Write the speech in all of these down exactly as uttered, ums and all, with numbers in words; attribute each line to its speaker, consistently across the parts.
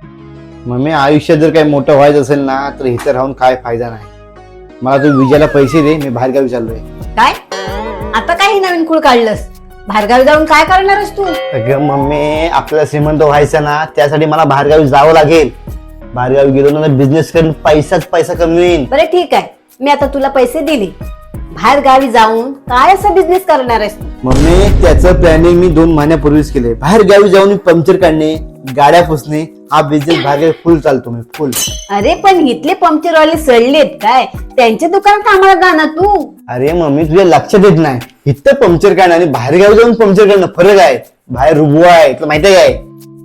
Speaker 1: Mummy आयुष्यात जर काही मोठं व्हायचं असेल ना तर इथं राहून काय फायदा नाही. मला तू विजयाला पैसे दे, मी बाहेरगावी चाललोय.
Speaker 2: काय आता काही नवीन खूळ काढलंस? बाहेरगावी जाऊन काय करणारस तू?
Speaker 1: अगं मम्मी, आपल्याला श्रीमंत व्हायचं ना त्यासाठी मला बाहेरगावी जावं लागेल. बाहेरगावी गेलो ना बिझनेस करून पैसाच पैसा कमवीन.
Speaker 2: बरं ठीक आहे, मी आता तुला पैसे दिले. बाहेर गावी जाऊन काय असा बिझनेस करणार आहेस तू?
Speaker 1: मम्मी, त्याचं प्लॅनिंग मी दोन महिन्यापूर्वीच केले. बाहेर गावी जाऊन पंक्चर काढणे, गाड्या पुसणे, हा बिझनेस बाहेर फुल चालतो मी फुल.
Speaker 2: अरे पण इथले पंक्चरवाले सडलेत काय? त्यांच्या दुकानात आम्हाला जा ना तू.
Speaker 1: अरे मम्मी, तुझ्या लक्षात येत नाही. इथं पंक्चर काढणं आणि बाहेर गावी जाऊन पंक्चर काढणं फरक आहे. बाहेर रुबवा आहे, तुला माहिती आहे काय?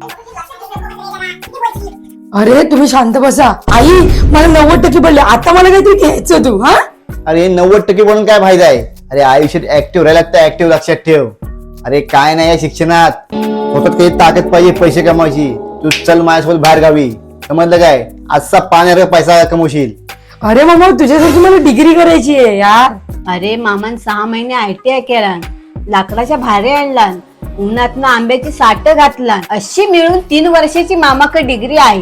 Speaker 3: अरे तुम्ही शांत बसा. आई मला नव्वद टक्के पडले, आता मला काहीतरी घ्यायचं तू. हा
Speaker 1: अरे नव्वद टक्के म्हणून काय फायदा आहे? अरे आयुष्यात ऍक्टिव्ह राहायला लागतं, ऍक्टिव्ह लक्षात ठेव. अरे काय नाही या शिक्षणात, स्वतःत काही ताकद पाहिजे पैसे कमवायची. तू चल माझ्यासोबत बाहेर गावी, समजलं काय? आजचा पाण्यावर पैसा कमवशील.
Speaker 3: अरे मामा, तुझ्यासाठी मला डिग्री करायची आहे यार.
Speaker 2: अरे मामान सहा महिने आयटीआय केला, लाकडाच्या भारे आणला, उन्हातनं आंब्याची साठ घातला, अशी मिळून तीन वर्षाची मामाकडे डिग्री आहे.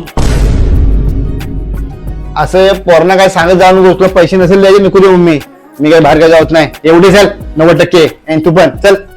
Speaker 1: असं पोरांना काय सांगत जाऊन गोष्ट पैसे नसेल द्यायचे नको देऊ. मम्मी, मी काय बाहेर काय जात नाही. एवढी चल नव्वद टक्के आणि तू पण चल.